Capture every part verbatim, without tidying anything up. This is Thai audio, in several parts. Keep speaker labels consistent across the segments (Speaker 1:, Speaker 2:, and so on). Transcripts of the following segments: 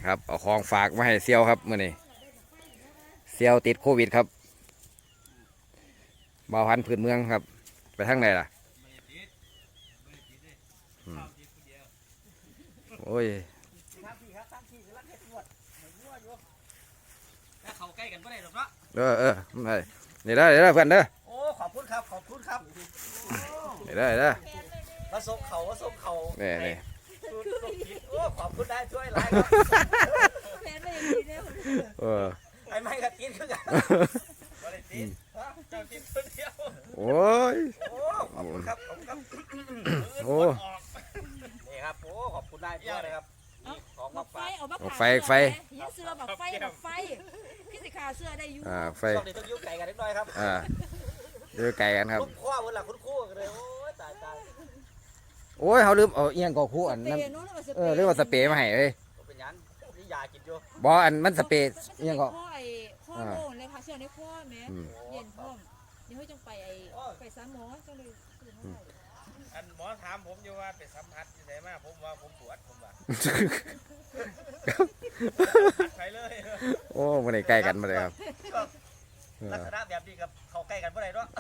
Speaker 1: ครับเอาของฝากมาให้เซียวครับมื่อนี้เซียวติดโควิดครับเบาพันธุ์พื้นเมืองครับไปทางไหนล่ะโอ้ย
Speaker 2: เขาใกล้กันไม่ได้หรอกเนาะ
Speaker 1: เออเออได้เดี๋ยวได้เดี๋ยวได้เพื่อนเด้อ
Speaker 2: โอ้ขอบคุณครับขอบคุณครับ
Speaker 1: เดี๋ยวได้เดี๋ยวได้
Speaker 2: มาส่งเขามาส่งเขา
Speaker 1: นี่นี่
Speaker 2: โอ้ขอบคุณได้ช่วยไลน์ครับ
Speaker 1: เออ
Speaker 2: ไอ้ไม่กระตินคือกันไม่ได้ตินเจ้าตินคนเดียว
Speaker 1: โอ้ย
Speaker 2: โอ้ขอบคุณครับขอบคุณครับ
Speaker 1: โอ้
Speaker 2: นี่ครับโอ้ขอบคุณได้ด้วยนะครับของมา
Speaker 3: ไฟ
Speaker 2: ฝาก
Speaker 3: เอาบัก
Speaker 1: ไฟไฟ
Speaker 3: เสื้อบักไฟบักไฟพี่สิขาเสื้อได้อยู่
Speaker 1: อ่าไฟ
Speaker 2: ช่วงนี้ต้องยุ่งไก่กันนิดหน่อยครับ
Speaker 1: อ่าเจอไก่กันครับ
Speaker 2: คุ้มข้อวันหลังคุ้มคู่กันเลยโอ้ยตายตาย
Speaker 1: โอ้ยเขาลืมเอาเอียงกอคู่อันนั้นเออเรื่องว่าสเปรย์มาให้เอ้ย
Speaker 2: เป็นยังนี่ยากินอยู่
Speaker 1: บออันมันสเปรย์เอียงก็
Speaker 3: ข้อไอ้ข้อโล่งเลยค่ะเสื้อในข้อแม่เย็นพร้อมเดี๋ยวให้จังไปไอ้ไปสามหมอจังเลย
Speaker 2: อันหมอถามผมอยู่ว่าเป็นสัมผัสที่ไหนมาผมว่าผมปวดผมว่าไปเลย
Speaker 1: โอ้มันได้ใกล้กันมาเลยครับ
Speaker 2: ลักษณะแบบนี้กับเขาใกล้กันเมื่อไหร่เนาะ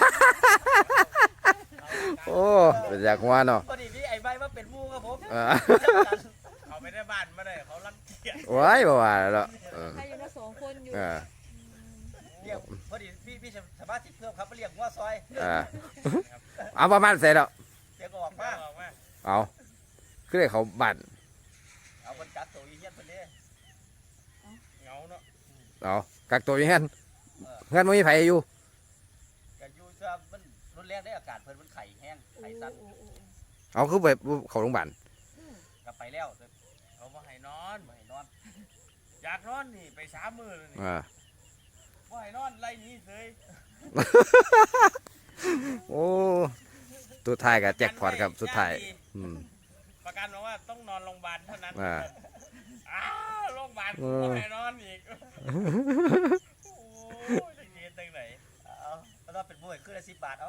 Speaker 1: โอ้เป็นอยากว่าเนาะ
Speaker 2: พอดีพี่ไอ้ใบมาเป็นมูครับผม
Speaker 1: อ่า
Speaker 2: เขาไม่ได้บ้านมาเลยเขาลังเกียจ
Speaker 1: ว้ายบ่ว่าแล้วเออ
Speaker 3: ใครอยู่นะสองคนอยู่
Speaker 1: อ่า
Speaker 2: เรียกพอดีพี่พี่สามารถติดเพิ่มครับมาเรียกว่าซอย
Speaker 1: อ่าเอาประมาณเสร็จแล้ว
Speaker 2: เรียกออกมาออกมา
Speaker 1: เอาคือได้เขาบัตร
Speaker 2: เอาคนจัดตัวอีเหี้ยนคนนี้เงาเนาะ
Speaker 1: เอากักตัวอย่างนั้นเงินไม่มีไผอยู่
Speaker 2: กันอยู่จะมันรุนแรงได้อากาศเพิ่นมันไข่แห้งไข่สั้น
Speaker 1: เอาคือไปเขาโรงพยาบาล
Speaker 2: กลับไปแล้วเขามาให้นอนมาให้นอนอยากนอนนี่ไปสามมื้อเลยนี่
Speaker 1: อ่า
Speaker 2: ว่าให้นอนไล่นี้เลย
Speaker 1: โอ้สุดท้ายกับแจ็คพอตครับสุดท้ายอืม
Speaker 2: ประกันบอกว่าต้องนอนโรงพยาบาลเท่านั้น
Speaker 1: อ่า
Speaker 2: อ้าวโรงพยาบาล
Speaker 1: เอ
Speaker 2: กู
Speaker 1: อ
Speaker 2: ให้นอนอีกโอ้ยจะเกณฑ์ตั้งไหนเอาแล้วถ้าเป็นมวยขึ้นละสิบบาทเอา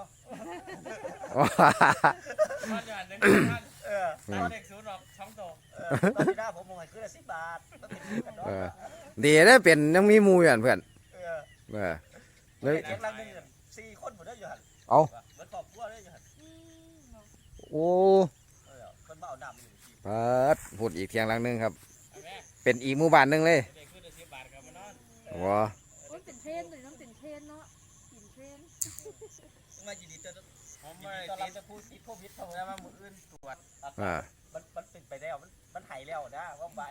Speaker 2: ตอนอย่างหนึ่งพันเออตอนเด็กศูนย์ออกสองตัวเออตอนที่หน้าผมมวยขึ้นละสิบบาทต้องเป็นกันเนาะ
Speaker 1: เออดีได้เป็นยังมีหมูอยู่อันเพื่อน
Speaker 2: เออ
Speaker 1: เออ
Speaker 2: เด็กกำลังหนึ่งสี่คนหมดเลยอยู่หัน
Speaker 1: เอา
Speaker 2: เหมือนครอบครัวเลยอยู่หัน
Speaker 1: โอ้
Speaker 2: เออคนมาเอาดำอยู่ที่
Speaker 1: เปิดพูดอีกเทียงหลังหนึงครับ เป็นอีกหมู่บ้านหนึงเลย
Speaker 2: เด็กขึ้นละสิบบาทกับมานอน
Speaker 1: ว้า
Speaker 3: โอ้ยเป็นเทรนเลยน้องเป็นเทรนเนาะกินเทรน
Speaker 2: มายินดีต้อนรับผมไม่ตอนรับจะพูดติดโควิดเท่านั้นมามืออื่นตรวจ
Speaker 1: อ่า
Speaker 2: มันมันเป็นไปแล้วมันมันหายแล้วนะว่าไป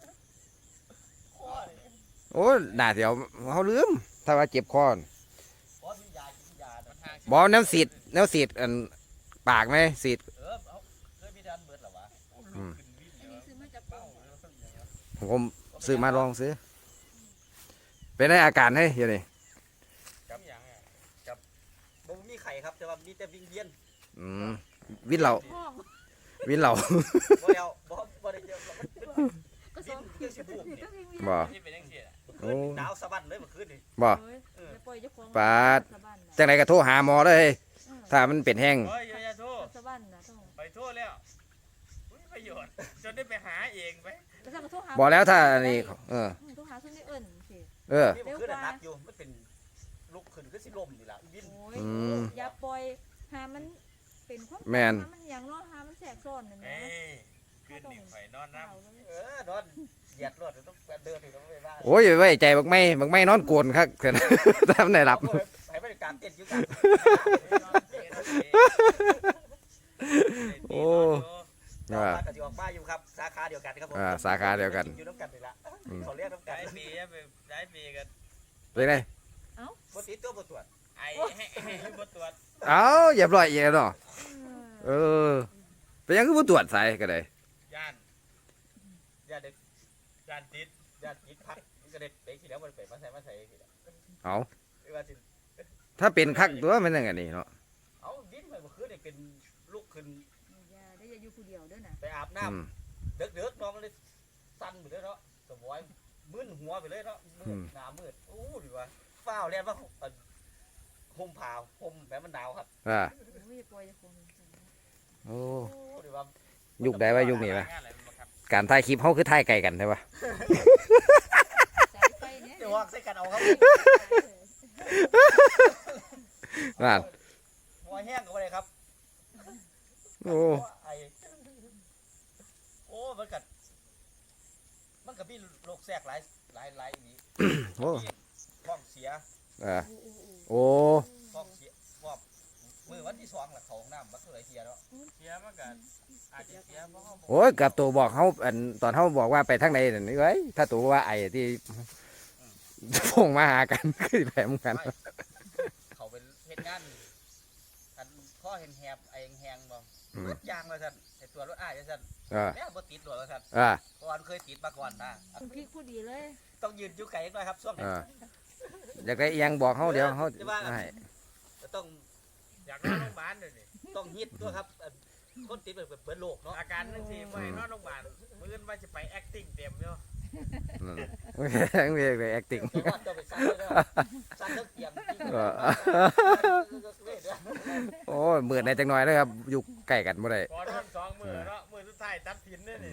Speaker 1: โอ้หน้าเดี๋ยวเขาลืมถ้าว่าเจ็บคอ
Speaker 2: เพราะมียากินยามันทาง
Speaker 1: บอน้ำสีดน้ำสีดอันปากไหมสีด
Speaker 2: เออเอาเคยมีดันเบิดหรอวะ
Speaker 1: อืม
Speaker 3: อันนี้ซื้อมาจากป่า
Speaker 1: ผมซื้อมาลองซื้อเป็นได้อาการให้เดี๋ยวนี้
Speaker 2: กับอย่างอ่ะกับบ่มีไข่ครับแต่ว่ามีแต่วิงเวียน
Speaker 1: อืมวินเหล่า
Speaker 3: ห้อง
Speaker 1: วินเหล่า
Speaker 2: บ่แล้วบ่บ่ได้เจอมันเป็น
Speaker 3: ก็สอง
Speaker 2: วินเกี่ยวสิบุกนี่
Speaker 1: บ่
Speaker 2: ที่เป็นจังซี่
Speaker 1: โอ้
Speaker 2: หนาวสะบั้นเลยเมื่อคืนนี่
Speaker 1: บ่
Speaker 3: เฮ้ยจะปล่อยเจ้าของ
Speaker 1: ปาด จังไรก็โทรหาหมอเลย ถ้ามันเป็นแห้ง
Speaker 2: โอ้ยอย่าโทษ
Speaker 3: สะบั้นนะต้อง
Speaker 2: ไปโทษแล้วไม่ประโยชน์จนได้ไปหาเองไป
Speaker 3: แล้วสั่งโทรหา
Speaker 1: บอกแล้วถ้าอันนี้เออ
Speaker 3: โทรหาซุนได้เอิ้นสิ
Speaker 1: เออ
Speaker 2: นี่มันขึ้นนักอยู่มันเป็นลุกขึ้นคือสิลมนี่ล่ะวิน
Speaker 3: โอ้ย
Speaker 1: อืม
Speaker 3: อย่าปล่อยหามันเป็นความ
Speaker 1: แม่น
Speaker 3: หามันอย่างเนาะหามันแสกซ้อนนั่น
Speaker 2: เอ้
Speaker 3: นะ
Speaker 2: ยคืนนี่ข่อยนอนน้
Speaker 3: เอาเลย
Speaker 2: ำเออนอนเหยียดรถต้องเดินถึงต้องไปบ้าน
Speaker 1: โอ้ยไว้ใจบักไม่บักไม่นอนโกนครับเกิน ถ้ามันได้รับ
Speaker 2: ให้บริการเต้นอยู่กัน
Speaker 1: โอ้
Speaker 2: อ่า
Speaker 1: อ่า
Speaker 2: ก็จะออกมาอยู่ครับสาขาเดียวกันครับผม
Speaker 1: อ่าสาขาเดียวกัน
Speaker 2: อยู่น้ำกันนี่ละ
Speaker 1: อืม
Speaker 2: เขาเรียกน้ำกัน
Speaker 4: ได้ปีไปได้ปีกัน
Speaker 1: เป็นไง
Speaker 2: ปกติตัวบตรวจ
Speaker 4: ไอ้ให้ให้บตรวจ
Speaker 1: เอ้าอย่าปล่อยเย่เนาะเออเป็นยังคือผู้ตรวจสายก็ได้
Speaker 4: ย่าน
Speaker 2: ญาติเด็ก
Speaker 4: ย่านติด
Speaker 2: ญาติยิดพักก็เด็กเด็กทีแล้วมันเป็นมาใส่มาใส่ทีแล้ว
Speaker 1: เอา
Speaker 2: ไม่ว่าสิ
Speaker 1: ถ้าเป็นคักตัวมันยังไงนี่เนาะ
Speaker 2: เอาดิ้นไปเมื่อคืนเด็กเป็นลูกขึ้น
Speaker 3: อย่าได้อย่าอยู่ผู้เดียวเด้อนะ
Speaker 2: ไปอาบ
Speaker 1: อืม
Speaker 2: น้ำเด็กเด็กน้องเลยสั่นไปเลยเนาะสมอยมึนหัวไปเลยเนาะมืดหน้ามืดโอ้ดีว่าฝ้าวเรียนว่าห่มผ้าห่มแบบมันหนาวครับ
Speaker 1: อ่า
Speaker 3: โอ้ยอย่าปล่อยเจ้าของ
Speaker 1: โอ้
Speaker 2: โอ้ดีว่า
Speaker 1: ยุคใดว่ายุคนี้ไหม
Speaker 4: งานอะไรมาครับ
Speaker 1: การถ่ายคลิปเฮาคือถ่ายไกลกันใช่ปะ
Speaker 3: สายไฟเนี่ย
Speaker 2: เดี๋ยววางใส่กันเอาครับ
Speaker 1: นั่น
Speaker 2: หัวแห้งก็บ่ได้ครับ
Speaker 1: โอ้
Speaker 2: ไอโอ้มันกัดมันกับพี่โรคแทรกหลายหลายหลายนี้
Speaker 1: โอ้
Speaker 2: ท้องเสีย
Speaker 1: เออโอ้
Speaker 2: ท้องเสียพวกมือวันที่สองแหละเขาห้องน้ำวัดเท่าไหรเสียแล้ว
Speaker 4: เสียมากันอาจจะเสียเพราะเขาบอก
Speaker 1: โอ้ยกับตัวบอกเฮาอันตอนเฮาบอกว่าไปทางไหนนั่นนี่เว้ยถ้าตัวว่าไอ้ที่พงมาหากัน คือแผลมึงกัน
Speaker 2: ไม่เขาเป็นเหตุงานอันข้อเห็นแหบไอ้แหงบ่
Speaker 1: อืม
Speaker 2: รถยางเลยท่านไอ้ตัวรถอ้ายเลยท่าน
Speaker 1: เออ
Speaker 2: แม่บ่ติดรถเลยท่าน
Speaker 1: เออ
Speaker 2: เพราะว่ามันเคยติดมาก่อนนะ
Speaker 3: คุณพี่พูดดีเลย
Speaker 2: ต้องยืนอยู่ไกลหน่อยครับช่วง
Speaker 1: เอ
Speaker 2: นี้
Speaker 1: ออยากได้อิหยังบอกเฮาเดี๋ยวเฮาให้
Speaker 2: ต้อง
Speaker 4: อยากนอนโรงพยาบาลเลยนี่
Speaker 2: ต้องฮิตด้วยครับอันคนติดเป็นเบิดโลกเนาะ
Speaker 4: อาการนั่นสิไปนอนโรงพยาบาลมื้ออื่นว่าจะไป acting เต็มอยู่
Speaker 1: อืมโอเคโอเคโอเค acting
Speaker 2: เดี๋ยวว่าจะไปสั่นเลยเด้อสั่นเรื่องเตียงจริง
Speaker 1: เออ
Speaker 2: เว้ยเด้อ
Speaker 1: โอ้ยมืดในจังหน่อยเลยครับอยู่ใกล้กันบ่ได้
Speaker 4: พอนอนสองมื้อเนาะมื้อสุดท้ายตัดผินเนี่ยนี่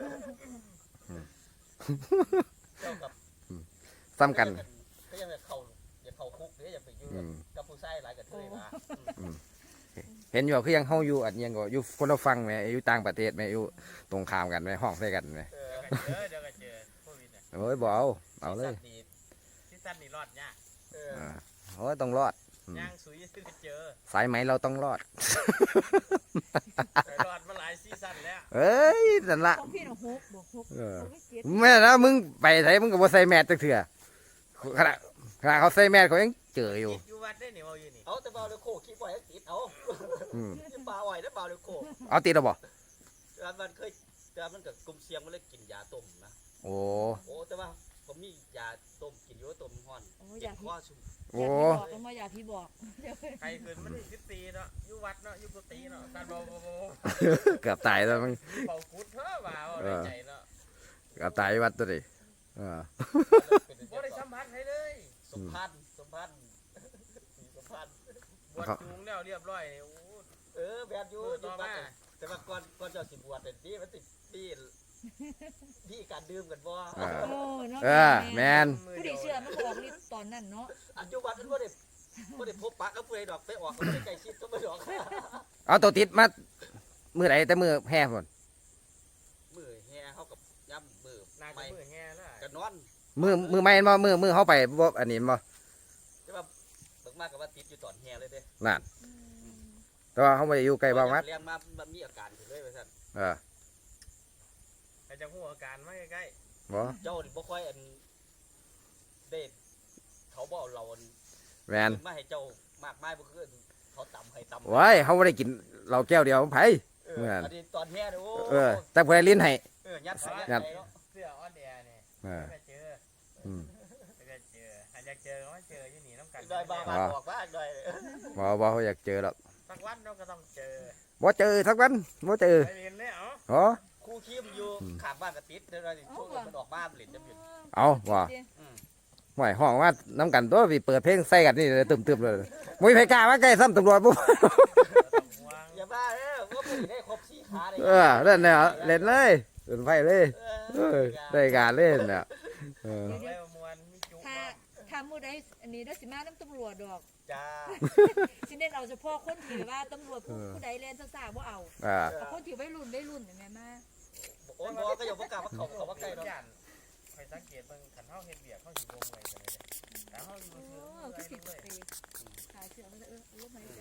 Speaker 2: เจ้ากับ
Speaker 1: ซ้ำกัน
Speaker 2: ก็ยังจะเข้าอย่าเข้าคุกเด้ออย่าไปอยู่
Speaker 1: อืม
Speaker 2: กับผู้ชายหลายกับเทยมา
Speaker 1: เห็นอยู่คือยังเฮาอยู่อันยังก็อยู่คนละฝั่งแหมอยู่ต่างประเทศแหมอยู่ตรงข้ามกันแหมห้องใส่กันแหม
Speaker 2: เออ
Speaker 4: เดี๋ยวก็เจอเดี๋ยวก็เจอโควิดเนี่ย
Speaker 1: โอ้ยบ่เอาเอาเลย
Speaker 2: ดี
Speaker 4: ที่สั้นนี่รอดยาก
Speaker 2: เออ
Speaker 1: อ่าโอ้ยต้องรอด อืม
Speaker 4: ย่างสุยซึ่งก็เจอ
Speaker 1: สายไหมเราต้องรอด
Speaker 4: ไปรอดมาหลายซีซั่นแล้ว
Speaker 1: เอ้ยนั่นละ
Speaker 3: ของพี่น่ะหกบวกหก
Speaker 1: เออ
Speaker 3: หกไม่เจ็ด
Speaker 1: แม่นะมึงไปไสมึงก็บ่ใส่แมสจักเทื่อขณะขณะเขาใส่แมสเขายังเจออยู่
Speaker 4: ติดอยู่วัดได้นี่เอาอยู่นี่
Speaker 2: เอาแต่เบาเลยโคคิดไว้ให้ติดเอา
Speaker 1: อืม
Speaker 2: อย่าปลาอ่อยแล้วเบาเลยโค
Speaker 1: เอาติดแล้วบ่
Speaker 2: แต่มันเคยแต่มันกับกลุ่มเสียงมันเลยกินยาต้มนะ
Speaker 1: โอ้
Speaker 2: โอ้แต่ว่าผมมียาต้มกินอยู่ต้มห้อน
Speaker 3: โอ้ยอ
Speaker 2: เจ็
Speaker 3: ยา
Speaker 2: บ
Speaker 3: ก
Speaker 2: คอชุ่ม
Speaker 1: โอ้
Speaker 3: บอกกันว่าอยากพี่บอก
Speaker 4: ใครคืนมันสิบตีเนาะอยู่วัดเนาะอยู่กุฏิเนาะสั้นเบาเบาเบา
Speaker 1: เกือบตายแล้วมึง
Speaker 4: เบากุดเพ้อว่าเอาในใจเนาะ
Speaker 1: เกือบตายวัดตัวดิเออ
Speaker 2: เป็น
Speaker 4: บ่ได้สัมผัสให้เลย
Speaker 2: สมพันธ์สมพันธ์สีสมพันธ์
Speaker 4: บวชจูงแล้วเรียบร้อยนี่โอ้
Speaker 2: เออแบบอยู่
Speaker 4: มือ
Speaker 2: อ
Speaker 4: ต่
Speaker 2: ยู่
Speaker 4: อ
Speaker 2: บ้า
Speaker 4: มา
Speaker 2: นแต่ว่าก่อนก่อนเจะสิบวชแต่ที่มันติดที่ที่การดื่มกันบ่
Speaker 1: เออ
Speaker 3: โอ้เนาะ
Speaker 1: เออแมน
Speaker 4: มือ
Speaker 3: ผู้
Speaker 4: เดี
Speaker 3: ดี
Speaker 4: ยว
Speaker 3: เชื่อมันก็ออกฤทธิ์ตอนนั้นเนาะ
Speaker 2: อันจุบันมันบ่ได้บ่ได้พบปะกับผู้ใดดอกไปออกก็บ่ได้ใกล้ชิดก็บ่ดอก
Speaker 1: เอาตัวติดมามือไหนแต่มือแห่พุ่น
Speaker 2: มือแห่เฮากับย่ำมือ
Speaker 4: น่าจะ
Speaker 2: ไม่
Speaker 4: มือแง่แล้ว
Speaker 2: ก็นอน
Speaker 1: มือมือไม่เห็นบ่มือมือเข้าไปบ่อันนี้บ่
Speaker 2: แต่ว่าเบิ่งมากก็ว่าติดอยู่ตอนแห่เลยเด้
Speaker 1: นั่นแต่ว่าเขาไม่ได้อยู่ใกล้บ้านวัด
Speaker 2: เรียนมามันมีอาการขึ้นเลยว่าซั่น
Speaker 1: เออ
Speaker 4: แต่จะหัวอาการมาใกล้
Speaker 1: บ่
Speaker 2: เจ้านี่บ่ค่อยอันเด็ดเขาบ่เอาเราอัน
Speaker 1: แมน
Speaker 2: มาให้เจ้ามากมายบ่คือเขาตำให้ตำ
Speaker 1: ว้ายเขาไม่ได้กินเราแก้วเดียวไผ
Speaker 2: เออ
Speaker 1: เหมือน
Speaker 2: อันนี้ตอนแห่เนี่ยโอ้
Speaker 1: เออ แต่ผู้ใดลิ้นให้
Speaker 2: เออยัดใส่
Speaker 1: ยั
Speaker 2: ยั
Speaker 1: ด
Speaker 2: ดใส่เนาะ
Speaker 4: ๆเสื้อออนแอร์เนี่ย
Speaker 1: เออ
Speaker 4: ไม่เจอ
Speaker 1: อืม
Speaker 4: ไม่เจออาจจะเจอก็เจออยู่นี่น้ำกัน
Speaker 2: ได้บ้าบ้าบอกว่าได้
Speaker 1: บ่บ่เขาอยากเจอหรอก
Speaker 4: สักวันเราก็ต้องเจอ
Speaker 1: บ่เจอสักวันบ่เจอ
Speaker 4: ไปเรียนเลยเอ้า
Speaker 1: อ๋อ
Speaker 2: ครูคิมอยู่ข้างบ้านกระติดเดี๋ยวเราสิช่วงมันออกมาเล่นจะเป็น
Speaker 1: เอาว่า
Speaker 2: อืม
Speaker 1: ห่วยห้องว่าน้ำกันตัวพี่เปิดเพลงใส่กันนี่เลยตึมๆเลยมุ้ยไผกล้ามาใกล้ซ้ำตำรวจปุ๊บ
Speaker 4: ต้องห่วง
Speaker 2: อย่าบ้าเด้อว่าผู้ได้ครบสี่ขาเลย
Speaker 1: เออเล่นเนี่ยเล่นเลยเล่นไฟเลยเออได้การเล่นเนี่ยเออ
Speaker 4: เอาไปมวนมีจุ
Speaker 3: ถ้าถ้ามื้อใดอันนี้ได้สิมาน้ำตำรวจดอก
Speaker 2: จ้า
Speaker 3: สิเน้นเอาเฉพาะคนที่ว่าตำรวจผู้ผู้ใดแล่นซ่าๆบ่เอา
Speaker 1: อ่า
Speaker 3: เอาคนที่วัยรุ่นวัยรุ่นแม่มา
Speaker 2: โอ้ยบอกก็อย่าบอกกล้าว่าเขาเขาว่าใกล้เนาะ
Speaker 4: ย่านคอยสังเกตเบิ่งขันเฮาเฮ็ดเบียกเฮาสิบ่เมื่อยกันเลยเด้แต่เฮาอยู่
Speaker 3: โอ้
Speaker 4: ซื่อๆ
Speaker 3: ก็
Speaker 4: เมื่
Speaker 3: สิ
Speaker 4: อย
Speaker 3: ไปขาเสือมันจะเออลมหายใจ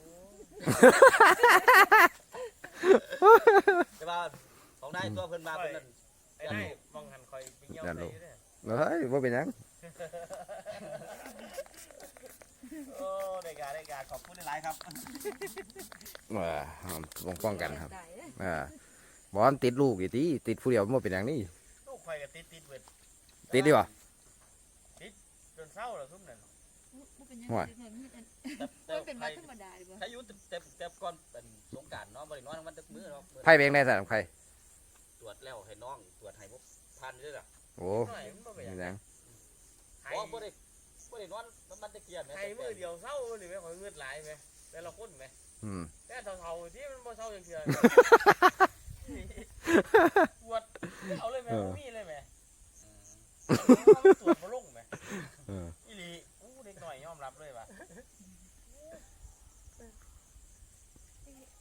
Speaker 2: แต่ว่าของนายตัวเพิ่นมาเพิ่นนั่น
Speaker 4: ไอ้นายมองหันคอยไปเหี่ยวใส่อยู่เด้อ
Speaker 1: เฮ้ยว่าเป็นหยัง
Speaker 2: โอ้ได้การได้การขอบคุณหลายๆครับ
Speaker 1: ว่าป้องป้องกันครับ
Speaker 3: ตายเด้อ
Speaker 1: อ่าบอลติดลูกอีตีติดผู้เดียวมันเป็นอย่างนี้
Speaker 4: ลูกข่อยก็ติดติดเบิด
Speaker 1: ติดดีวะ
Speaker 4: จนเศร้าแล้วซุ่มนั่น
Speaker 3: บ่เป็นหยัง
Speaker 1: ห่วย
Speaker 3: เด็กน้อยมันอัน
Speaker 2: แต่
Speaker 3: มันเป็น
Speaker 2: ใคร
Speaker 3: มาธรรมดาดีบ่
Speaker 2: ถ้าอยู่แต่แต่ก่อนเป็นสงกรารเนาะบ่ได้นอนมันตึกมื้อเนาะ
Speaker 1: ไพ่เบงได้สัตว์ไพ่
Speaker 2: ตรวจแล้วให้น้องตรวจให้พวกพันด้วยล่ะ
Speaker 1: โอ้
Speaker 4: หน่อยมันบ่เป็นห
Speaker 1: เป็
Speaker 4: ยั
Speaker 1: น
Speaker 4: ง
Speaker 1: หยัง
Speaker 4: ไห้
Speaker 2: อ๋อบ่ได้บ่ได้นอนมันตะเกียบแม่
Speaker 4: ไห้มือเดียวเศร้าหรือไม่ข่อยเงือดหลายไหมแต่ละคนไหม
Speaker 1: อืม
Speaker 4: แต่เท่าๆที่มันบ่เศร้าอย่างเดียวปวดตรวจบ่ลงไหม
Speaker 1: เออ
Speaker 4: อีหลีอู้เด็กหน่อยยอมรับเลยว่ะ